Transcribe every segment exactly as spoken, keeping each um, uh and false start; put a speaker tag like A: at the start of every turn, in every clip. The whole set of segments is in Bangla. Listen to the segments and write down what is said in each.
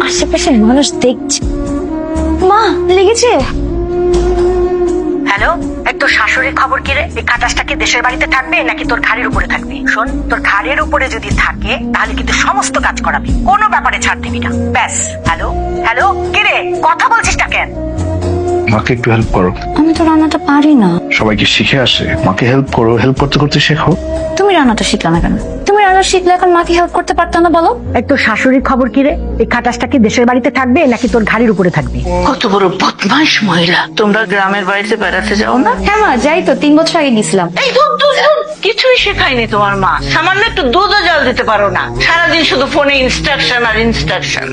A: আশেপাশে মানুষ দেখছে। মা লেগেছে?
B: হ্যালো, এই তোর শাশুড়ির খবর কি রে? এই খাটাসটা কি দেশের বাড়িতে থাকবে নাকি তোর ঘাড়ের উপরে থাকবে? শোন, তোর ঘাড়ের উপরে যদি থাকে তাহলে কিন্তু সমস্ত কাজ করাবি, কোনো ব্যাপারে ছাড় দিবি না। ব্যাস। হ্যালো হ্যালো, কি রে কথা বলছিস না কেন?
C: মাকে একটু হেল্প করো।
A: আমি তো রান্নাটা পারি না।
C: সবাইকে শিখে আসে, মাকে হেল্প করো, হেল্প করতে করতে শেখো।
A: তুমি রান্নাটা শিখলে না কেন? তুমি রান্না শিখলে এখন মাকে হেল্প করতে পারতো না বলো?
B: এই তোর শাশুড়ির খবর কি রে? এই খাটাসটা কি দেশের বাড়িতে থাকবে নাকি তোর ঘাড়ের উপরে থাকবে?
D: কত বড় বদমাইশ মহিলা। তোমরা গ্রামের বাড়িতে বেড়াতে যাও না?
A: হ্যাঁ মা, যাই তো, তিন বছর আগে গেছিলাম।
D: এই দুধ দুধ দুধ কিছুই শেখায়নি তোমার মা। সামান্য একটু দুধও জল দিতে পারো না, সারাদিন শুধু ফোনে ইনস্ট্রাকশন আর ইনস্ট্রাকশন।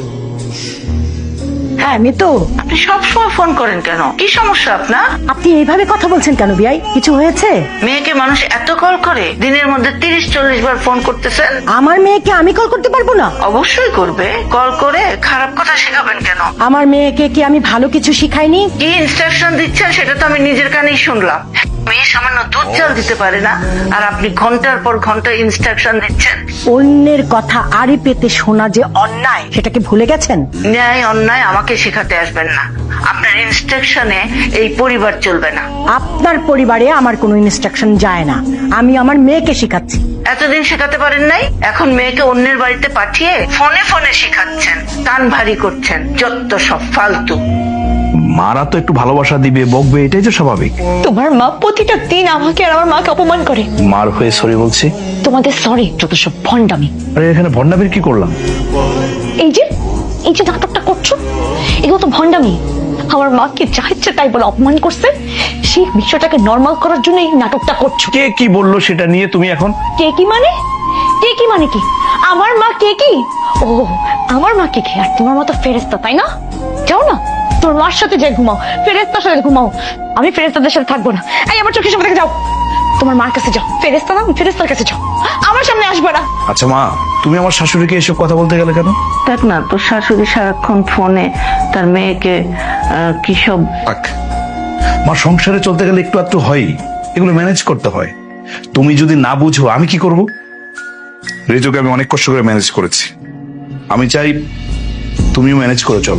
B: হ্যাঁ মিতু,
D: আপনি সবসময় ফোন করেন কেন? কি সমস্যা আপনার?
B: আপনি এইভাবে কথা বলছেন কেন বিয়াই? কিছু হয়েছে?
D: মেয়েকে মানুষ এত কল করে, দিনের মধ্যে তিরিশ চল্লিশ বার ফোন করতেছেন।
B: আমার মেয়েকে আমি কল করতে পারবো না?
D: অবশ্যই করবে। কল করে খারাপ কথা শেখাবেন কেন?
B: আমার মেয়েকে কি আমি ভালো কিছু শিখাইনি?
D: কি ইনস্ট্রাকশন দিচ্ছেন সেটা তো আমি নিজের কানেই শুনলাম। মেয়ে সামান্য দুধ জল দিতে পারে না, আর আপনি ঘন্টার পর ঘন্টা ইনস্ট্রাকশন দিচ্ছেন।
B: অন্যের কথা আড়ি পেতে শোনা যে অন্যায়, সেটাকে ভুলে গেছেন?
D: ন্যায় অন্যায় আমাকে শেখাতে আসবেন না। আপনার ইনস্ট্রাকশনে এই পরিবার চলবে না।
B: আপনার পরিবারে আমার কোনো ইনস্ট্রাকশন যায় না, আমি আমার মেয়েকে শেখাচ্ছি।
D: এতদিন শেখাতে পারেন নাই, এখন মেয়েকে অন্যের বাড়িতে পাঠিয়ে ফোনে ফোনে শেখাচ্ছেন, কান ভারী করছেন। যত সব ফালতু।
C: মারা তো একটু ভালোবাসা দিবে, বকবে, এটাই তো স্বাভাবিক।
A: তোমার মা প্রতিটা দিন আমাকে আর আমার মাকে অপমান করে।
C: মার হয়ে সরি বলছি।
A: তোমাদের সরি যত সব ভণ্ডামি।
C: আরে এখানে ভন্ডামির কি করলাম?
A: এই যে এই যে নাটকটা করছো, এগুলো তো ভণ্ডামি। আমার মাকে যা ইচ্ছে তাই বলে অপমান করছে, সেই বিষয়টাকে নর্মাল করার জন্য এই নাটকটা করছো।
C: কে কি বললো সেটা নিয়ে তুমি এখন?
A: কে কি মানে? কে কি মানে কি? আমার মা কে কি? ও, আমার মা কে কি? আর তোমার মতো ফেরেস্তা, তাই না? যাও না, তোর মার সাথে যাই ঘুমাও, ফেরেস্তার সাথে ঘুমাও। আমি ফেরেস্তাদের সাথে থাকবো না। এই আমার চোখের সামনে থেকে যাও, তোমার মার কাছে যাও। ফেরেস্তা না, ফেরেস্তার কাছে যাও, আমার সামনে আসবে না।
C: আচ্ছা মা, তুমি আমার শাশুড়িকে এসব কথা বলতে গেলে কেন?
D: দেখ না, তোর শাশুড়ি সারাক্ষণ ফোনে তার মেয়েকে আহ, কি সব।
C: থাক, মা সংসারে চলতে গেলে একটু একটু হয়, এগুলো ম্যানেজ করতে হয়। তুমি যদি না বুঝো আমি কি করব? রেজুকে আমি অনেক কষ্ট করে ম্যানেজ করেছি, আমি চাই তুমিও ম্যানেজ করে চলো।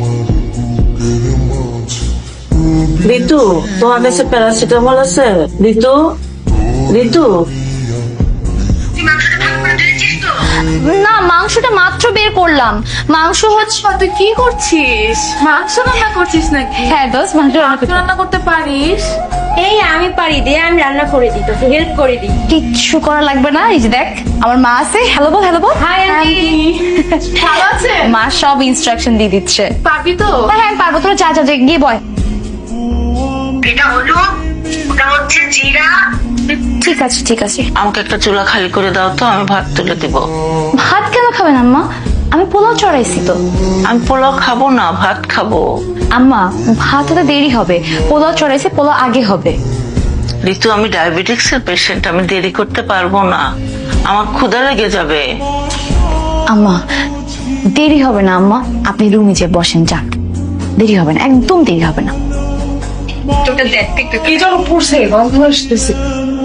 D: ঋতু, তোমার কাছে প্যারাসিটামল আছে? ঋতু, ঋতু,
A: না, মাংসটা মাত্র বের করলাম। মাংস হচ্ছে।
E: তুই কি করছিস? মাংস রান্না করছিস নাকি?
A: হ্যাঁ দোষ, মাংস রান্না করতে-
E: রান্না করতে পারিস?
A: এই আমি পারি, দে আমি রান্না করে দিই, তোকে হেল্প করে দিই। কিচ্ছু করা লাগবে না। এই যে দেখ, আমার মা আছে। হ্যালো বল, হ্যালো বল।
E: হাই আন্টি, ভালো আছে?
A: মা সব ইনস্ট্রাকশন দিয়ে দিচ্ছে।
E: পারবি তো?
A: হ্যাঁ হ্যাঁ, আমি পারবো। তোরা যা যা যা, গিয়ে বয়।
D: এটা হলো, ওটা হচ্ছে জিরা।
A: ঠিক আছে ঠিক আছে।
D: আমাকে একটা চুলা খালি করে দাও তো, আমি ভাত তুলে দিব।
A: ভাত কেন খাবেন আম্মা? আমি পোলাও চড়াইছি তো।
D: আমি পোলাও খাবো না, ভাত খাবো।
A: আম্মা, ভাত হতে দেরি হবে, পোলাও চড়াইছি, পোলাও আগে হবে।
D: ঋতু, আমি ডায়াবেটিক্স এর পেশেন্ট, আমি দেরি করতে পারবো না, আমার ক্ষুধা লেগে যাবে।
A: আম্মা, দেরি হবে না আম্মা, আপনি রুমে যে বসেন, যান। দেরি হবে না, একদম দেরি হবে না।
E: তোকে দেখতে একটু কি যেন পড়ছে, গন্ধ আসতেছে।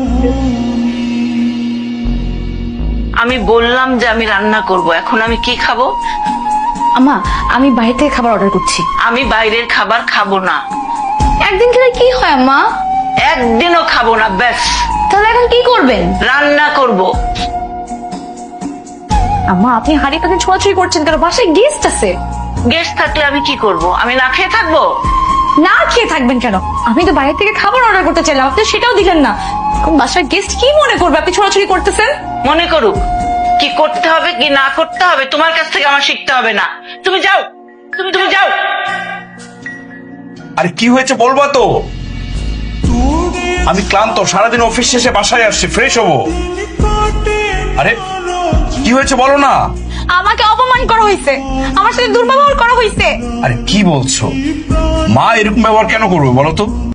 D: আমি বললাম যে আমি রান্না করব, এখন আমি কি খাবো?
A: আম্মা, আমি বাইরে থেকে খাবার অর্ডার করছি।
D: আমি বাইরের খাবার খাবো না,
A: একদিন খেলে কি হয় আম্মা?
D: একদিনও খাবো না। ব্যাস,
A: তাহলে এখন কি করবেন?
D: রান্না করব।
A: আম্মা, আপনি হাড়ি পাখি ছোঁয়াছুঁই করছেন কেন? বাসায় গেস্ট আছে।
D: গেস্ট থাকলে আমি কি করব? আমি না খেয়ে থাকবো?
A: না খেয়ে থাকবেন কেন? আমি তো বাইরে থেকে খাবার অর্ডার করতে চাইলাম, আপনি সেটাও দিলেন না। এখন বাসায় গেস্ট কি মনে করবে আপনি ছোঁয়াছুঁই করতেছেন?
D: মনে করুক, কি করতে হবে কি না করতে হবে তোমার কাছ থেকে আমার শিখতে হবে না। তুমি যাও, তুমি তুমি যাও।
C: আরে কি হয়েছে বলবা তো? আমি ক্লান্ত, সারাদিন অফিস শেষে বাসায় আসছি, ফ্রেশ হবো। আরে কি হয়েছে বলো না?
A: আমাকে অপমান করা হয়েছে, আমার সাথে দুর্ব্যবহার করা হয়েছে।
C: আরে কি বলছো? মা এরকম ব্যবহার কেন করবে বলো তো?